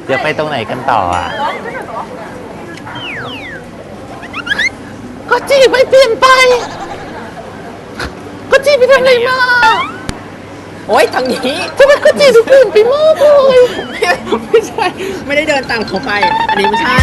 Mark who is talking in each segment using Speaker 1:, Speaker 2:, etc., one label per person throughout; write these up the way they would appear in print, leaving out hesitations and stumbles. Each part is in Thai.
Speaker 1: เดี๋ยวไปตรงไหนกันต่ออ่ะก็จีไม่เปลี่ยนไปก็จีไปทำอะไรมา
Speaker 2: โอ๊ยทางนี้
Speaker 1: ทำไมก็จีดูเปลี่ยนไปมากเลย
Speaker 2: ไม่ใช่ไม่ได้เดินตามเขาไปอันนี้ไม่ใช่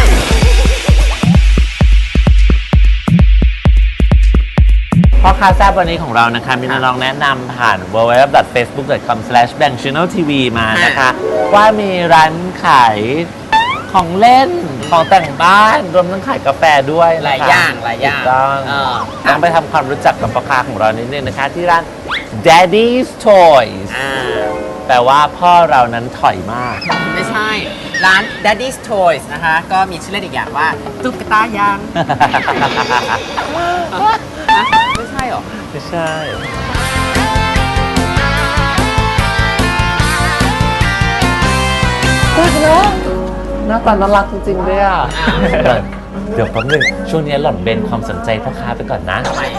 Speaker 1: พ่อค้าแซ่บวันนี้ของเรานะคะมีน้องแนะนำผ่าน www.facebook.com/bankchanneltv มานะคะว่ามีร้านขายของเล่นของแต่งบ้านรวมทั้งขายกาแฟด้วยนะคะ
Speaker 2: หลายอย่าง
Speaker 1: ต้องไปทำความรู้จักกับพ่อค้าของเรานิดนึงนะคะที่ร้าน Daddy's Toys แปลว่าพ่อเรานั้นถอยมาก
Speaker 2: ไม่ใช่ร้าน Daddy's Toys นะคะก็มีชื่อเล่นอีกอย่างว่าตุ๊กตายางไม่ใช่หรอ
Speaker 1: ไม่ใช่ก็แล้วหน้าตาน่ารักจริงๆด้วยอ่ะเดี๋ยวแป๊บนึงช่วงนี้หล่อนเบนความสนใจพ่อค้าไปก่อนนะ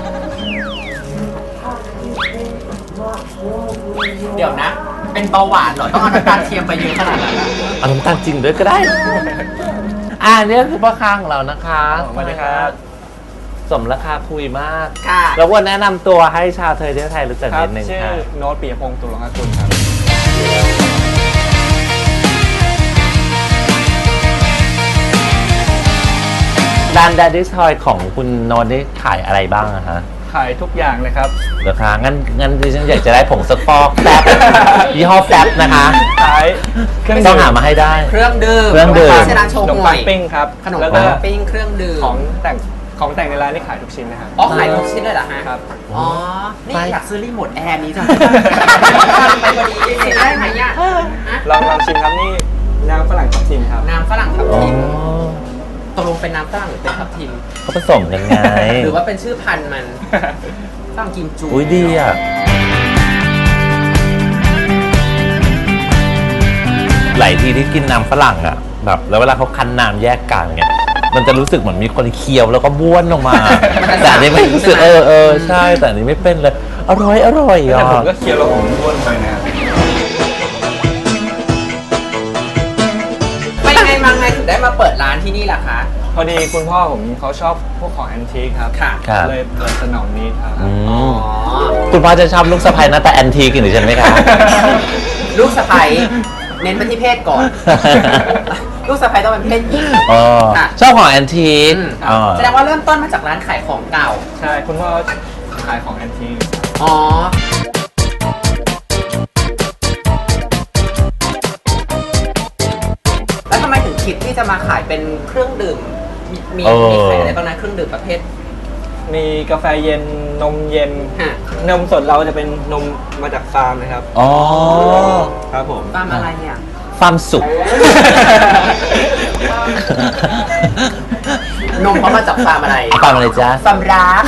Speaker 2: เดี๋ยวนะเป็นเบาหวานเหรอต้องเอาน้ำตาลเทียมไปเยอะขนาดนั้น
Speaker 1: เอาน้ำตาลจริงด้วยก็ได้นี่คือพ่อค้าของเรานะคะ
Speaker 3: สวัสดีครับ
Speaker 1: สมราคาคุยมาก
Speaker 2: ค่ะ
Speaker 1: แล้ววันแนะนำตัวให้ชาวเทยเที่ยวไทยรู้จักนิดนึงค่ะ
Speaker 3: ชื่อโน้ต ปิยพงษ์ ตุลงคกุลครับ
Speaker 1: ร้าน Daddy's Toy ของคุณโน้ตนี่ขายอะไรบ้างอะฮะ
Speaker 3: ขายทุกอย่างเลยครับ
Speaker 1: เหรอคะงั้นดิฉันอยากจะได้ผงซักฟอกแฟบยี่ห้อแฟบนะคะ
Speaker 3: ขาย
Speaker 1: เครื่องต้องหามาให้ได้
Speaker 2: เครื่องดื่มเซราโชว์
Speaker 3: ขนมปังปิ้งครับ
Speaker 2: ขนมปังปิ้งเครื่องดื่ม
Speaker 3: ของแต่งในร้านนี่ขายทุกชิ้นนะครับ
Speaker 2: ขายทุกชิ้นเลยเหรอฮะ
Speaker 3: ครับ
Speaker 2: นี่อยากซื้อรีโมทแอร์นี้จังไปพอดีได้ไหมเนี่ย
Speaker 3: ลองชิมครับนี่น้ำฝรั่งทับทิมครับ
Speaker 2: น้ำฝรั่งทับทิมตกลงเป็นน้ำฝรั่งหรือเป็นทับทิม
Speaker 1: เขาผสมกันไง
Speaker 2: หรือว่าเป็นชื่อพันธุ์มันฝรั่งกิมจู
Speaker 1: อุ้ยดีอ่ะหลายทีที่กินน้ำฝรั่งอ่ะแบบแล้วเวลาเขาคั้นน้ำแยกกากเนี่ยมันจะรู้สึกเหมือนมีคนเคี้ยวแล้วก็บ้วนออกมาแต่อันนี้ไม่รู้สึกใช่แต่อันนี้ไม่เป็นเลยอร่อย
Speaker 3: อ่ะแต่ผมก็เคี้ยวแล้วผมบ้วนไปนะ
Speaker 2: ไปไงมาไงถึงได้มาเปิดร้านที่นี่ล่ะคะ
Speaker 3: พอดีคุณพ่อผมเขาชอบพวกของแอนทีคครับเลยเปิดสนองนี้ครับ
Speaker 1: คุณพ่อจะชอบลูกสะใภ้หน้าตาแอนทีคหรือใช่ไหมครับ
Speaker 2: ลูกสะใภ้เน้นไปที่เพศก่อนลูกสะใภ้ต้องเป็นเพศหญิง
Speaker 1: ชอบของแอนทีค
Speaker 2: แสดงว่าเริ่มต้นมาจากร้านขายของเก่า
Speaker 3: ใช่คุณพ่อขายของแอนทีค
Speaker 2: แล้วทำไมถึงคิดที่จะมาขายเป็นเครื่องดื่มมีขายอะไรบ้างนะเครื่องดื่มประเภท
Speaker 3: มีกาแฟเย็นนมเย็นนมสดเราจะเป็นนมมาจากฟาร์มนะครับครับผม
Speaker 2: ฟาร์มอะไรเนี่ย
Speaker 1: ฟาร์มสุก
Speaker 2: นมเขามาจากฟาร์มอะไร
Speaker 1: ฟาร์มอะไรจ๊ะ
Speaker 2: ฟาร์มรัก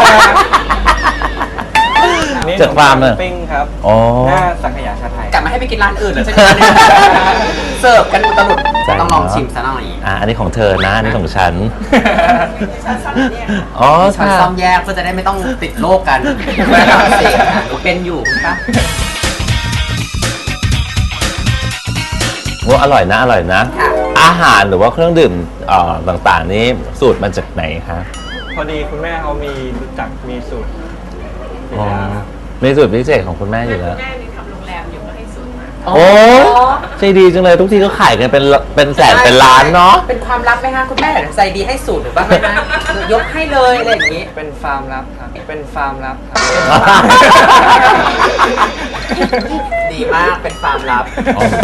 Speaker 3: จากฟาร์มปิ้งครับหน้าสังขยาชาไทย
Speaker 2: กลับมาให้ไปกินร้านอื่นแล้วใช่ไหมเสิร์ฟกันอุตลุดต้องลองชิมซะหน่อย
Speaker 1: อันนี้ของเธอนะอันนี้ของฉัน
Speaker 2: ฉันซ่อมแยกเพื่อจะได้ไม่ต้องติดโรคกันเป็นอยู่ปะ
Speaker 1: ว่าอร่อยนะอาหารหรือว่าเครื่องดื่มต่างๆนี้สูตรมาจากไหนคะ
Speaker 3: พอดีคุณแม่เขามีรู้จักมีสูตร
Speaker 1: มีสูตรพิเศษของคุณแม่อยู่แล้ว
Speaker 4: แม่นี่ทำโรงแรมอยู่ก็ให้สูตรมา
Speaker 1: โอ้ใจดีจังเลยทุกทีก็ขายกันเป็นแสนเป็นล้านเนาะ
Speaker 2: เป็นความลับไหมคะคุณแม่ใจดีให้สูตรหรือบ้างไหมคะยกให้เลยอะไรอย่างนี้
Speaker 3: เป็นฟาร์มลับครับเป็นฟาร์มลับครับ
Speaker 2: ดีมากเป็นฟาร์มลับ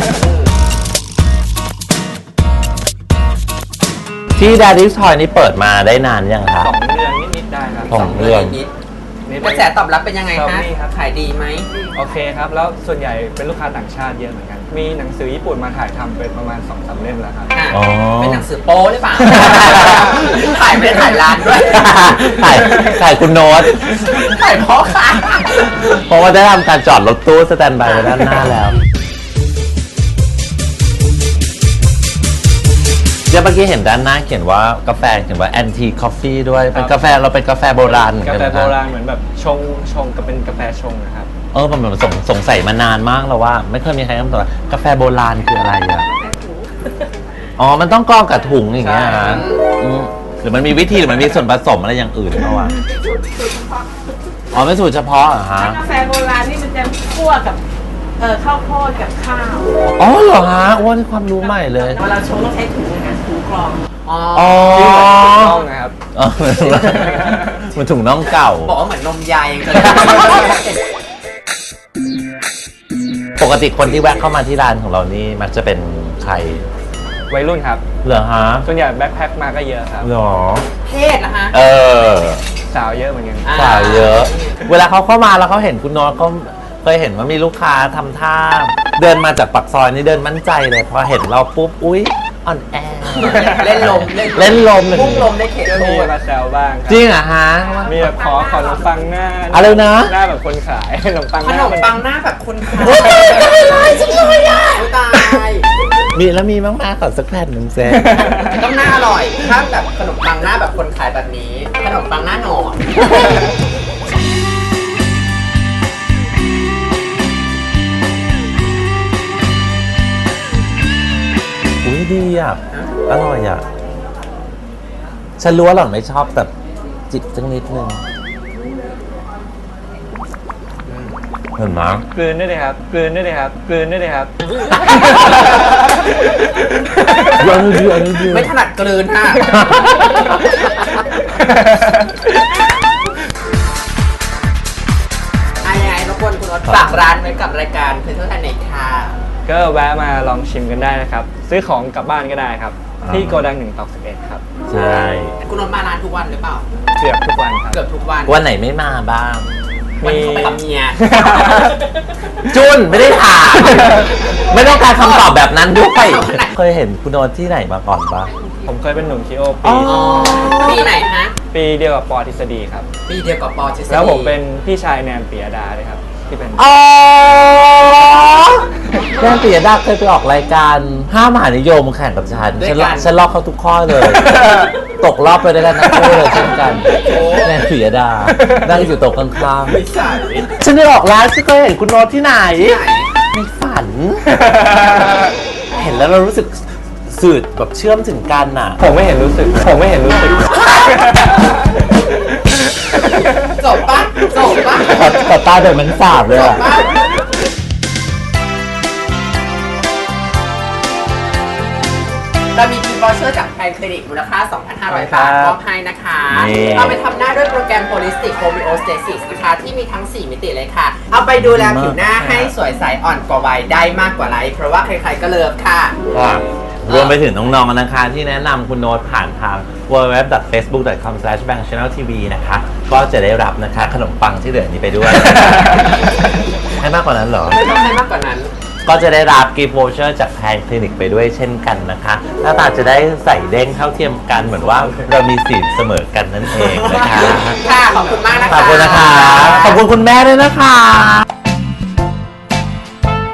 Speaker 1: ที่ Daddy's Toy นี่เปิดมาได้นานยังครับ
Speaker 3: 2 เดือนนิดๆได้ครับ
Speaker 1: 2 เดือน
Speaker 2: กระแสตอบรับเป็นยังไงคะขายดีไหม
Speaker 3: โอเคครับแล้วส่วนใหญ่เป็นลูกค้าต่างชาติเยอะเหมือนกันมีหนังสือญี่ปุ่นมาถ่ายทำเป็นประมาณ 2-3 เล่มแล้วครับ
Speaker 2: เป็นหนังสือโป๊หรือเปล่าถ่ายไม่ถ่ายร้านด้วย
Speaker 1: ถ่ายคุณโน้ต
Speaker 2: ถ่ายพ่อค่ะ
Speaker 1: เพราะว่าได้ทำการจอดรถตู้สแตนด์บายไว้ด้านหน้าแล้วเดี๋ยวเมื่อกี้เห็นด้านหน้าเขียนว่ากาแฟเขียนว่า anti coffee ด้วยเป็นกาแฟเราเป็นกาแฟโบราณ
Speaker 3: กาแฟโบราณเหมือนแบบชงก็เป็นกาแฟชงนะครับ
Speaker 1: ผมสงสัยมานานมากแล้วว่าไม่เคยมีใครคำตอบกาแฟโบราณคืออะไรอ่ะอ๋อมันต้องกรองกับถุงอย่างเงี้ย
Speaker 3: ใช่
Speaker 1: ฮะอืมหรือมันมีวิธีหรือมันมีส่วนผสมอะไรอย่างอื่นเขาอะ
Speaker 4: สูตรเฉพาะ
Speaker 1: อ๋อเป็นสูตรเฉพาะเหรอฮะ
Speaker 4: ถ้ากาแฟโบราณนี่มันจะคั่วกับข้าวโพดกับข้าว
Speaker 1: อ๋อเหรอฮะว่านี่ความรู้ใหม่เลย
Speaker 4: เวลาชงต้องใช้ถุงนะคะถุงกรอง
Speaker 2: อ๋อ
Speaker 1: อ๋อ
Speaker 3: ที่เหมือนถูกต้องนะครับ
Speaker 1: อ๋อมันถุงน่องเก่า
Speaker 2: บอกว่าเหมือนนมยายยังจะ
Speaker 1: ปกติคนที่แวะเข้ามาที่ร้านของเรานี่มักจะเป็นใคร
Speaker 3: วัยรุ่นครับ
Speaker 1: เหรอฮะ
Speaker 3: ส่วนใหญ่แบ็คแพ็คมาก็เยอะครับ
Speaker 1: เหรอ
Speaker 2: เพศนะคะ
Speaker 1: เออ
Speaker 3: สาวเยอะเหมือนกัน
Speaker 1: สาวเยอะ เวลาเขาเข้ามาแล้วเขาเห็นคุณโน้ตก็เคยเห็นว่ามีลูกค้าทำท่า เดินมาจากปากซอยนี่เดินมั่นใจเลย พอเห็นเราปุ๊บ อุ๊ยอ่อนแอ
Speaker 2: เล่นลม
Speaker 1: เล่นลม
Speaker 2: พุ่งลมได้เขต
Speaker 3: ก็
Speaker 2: โท
Speaker 3: มี
Speaker 2: ษ
Speaker 3: มาแซวบ้างครั
Speaker 1: จริงเหรอฮะ
Speaker 3: มีแบบขนมปังหน้า
Speaker 1: อะไรนะ
Speaker 3: หน้าแบบคนขายขนมปัง
Speaker 2: ข
Speaker 3: หน้าน
Speaker 2: มปังหน้าแบบคนขาย
Speaker 1: โอ๊ยตายจังเลยอะ
Speaker 2: ตาย
Speaker 1: มีแล้วมีบ้างมาขอสักแผ่นหนึ่งเซน
Speaker 2: ต้องหน้าอร่อย ถ้าแบบขนมปังหน้าแบบคนขายแบบนี้ ขนมปังหน้าหนอน
Speaker 1: อุ้ยดีอ่ะ อร่อยอ่ะ ฉันรู้ว่าหล่อนไม่ชอบแบบจิบสักนิดนึงเห็นไหม
Speaker 3: กลืนได้เลยครับกลืนได้เลยครับกลืนได้เลยครับ
Speaker 1: อันนี้ดีอันนี้ดี
Speaker 2: ไม่ถนัดกลืนค่ะยังไงรบกวนคุณรถฝากร้านไว้กับรายการเพจทั่วไทยในค่ะ
Speaker 3: ก็แวะมาลองชิมกันได้นะครับ ซื้อของกลับบ้านก็ได้ครับ ที่โกดัง1 ตอก 11 ครับ
Speaker 1: ใช่
Speaker 2: คุณรถมาร้านทุกวันหรือเปล่า
Speaker 3: เกือบทุกวันครับ
Speaker 2: เกือบทุกวัน
Speaker 1: วันไหนไม่มาบ้าง
Speaker 2: วันที่เขาไปกับเมีย
Speaker 1: จุนไม่ได้ถาม ไม่ต้องการคำตอบแบบนั้นด้วย เคยเห็นคุณโนตที่ไหนมาก่อนปะ
Speaker 3: ผมเคยเป็นหนุ่มทีโอ
Speaker 1: อ๋
Speaker 3: ปี
Speaker 1: อ
Speaker 2: ปีไหนฮะ
Speaker 3: ปีเดียวกับปอทฤษฎีครับ
Speaker 2: ปีเดียวกับปอทฤษฎี
Speaker 3: แล้วผมเป็นพี่ชายแนนเปียดาเลยครับ ที่เป็น
Speaker 1: อ๋อแม่ปียดาเคยไปออกรายการห้ามหานิยมแข่งกับฉันลอกเขาทุกข้อเลย ตกรอบไปด้วยกันทั้งคู่เลยเช่นกันแม่ปียดานั่งอยู่โต๊ะข้าง
Speaker 2: ไม่ใช่
Speaker 1: ๆฉันได้ออกร้านฉันเคยเห็นคุณโนตที่ไหน ในฝัน เห็นแล้วเรารู้สึกสื่อแบบเชื่อมถึงกันน่ะ
Speaker 3: ผมไม่เห็นรู้สึก ผมไม่เห็นรู้สึก
Speaker 2: จบปะจบปะ
Speaker 1: แต่ตาเดินมันสาบเลย
Speaker 2: จบ
Speaker 1: อ่ะ
Speaker 2: ปะเรามีกิฟต์วอเชอร์จากแพนคลินิกมูลค่า 2,500 บาทมอบให้นะคะ เอาไปทำหน้าด้วยโปรแกรม Holistic Homeostasis นะคะ ที่มีทั้ง 4 มิติเลยค่ะ เอาไปดูแลผิวหน้าให้สวยใสอ่อนกว่าวัยได้มากกว่าไลฟ์เพราะว่าใครๆก็เลิฟค่ะ
Speaker 1: รวมไปถึงน้องๆนะคะที่แนะนำคุณโน้ตผ่านทาง www.facebook.com/bankchanneltv นะคะ ก็จะได้รับนะคะขนมปังที่เหลือนี้ไปด้วย ให้มากกว่านั้นเหรอ
Speaker 2: ไม่ต้องให้มากกว่านั้น
Speaker 1: ก็จะได้รับกิฟต์วอเชอร์จากแพนคลินิกไปด้วยเช่นกันนะคะหน้าตาจะได้ใส่เด้งเท่าเทียมกันเหมือนว่าเรามีสีเสมอกันนั่นเองนะคะ
Speaker 2: ค่ะ ขอบคุณมากนะคะ
Speaker 1: ขอบคุณนะคะ ขอบคุณคุณแม่ด้วยนะคะ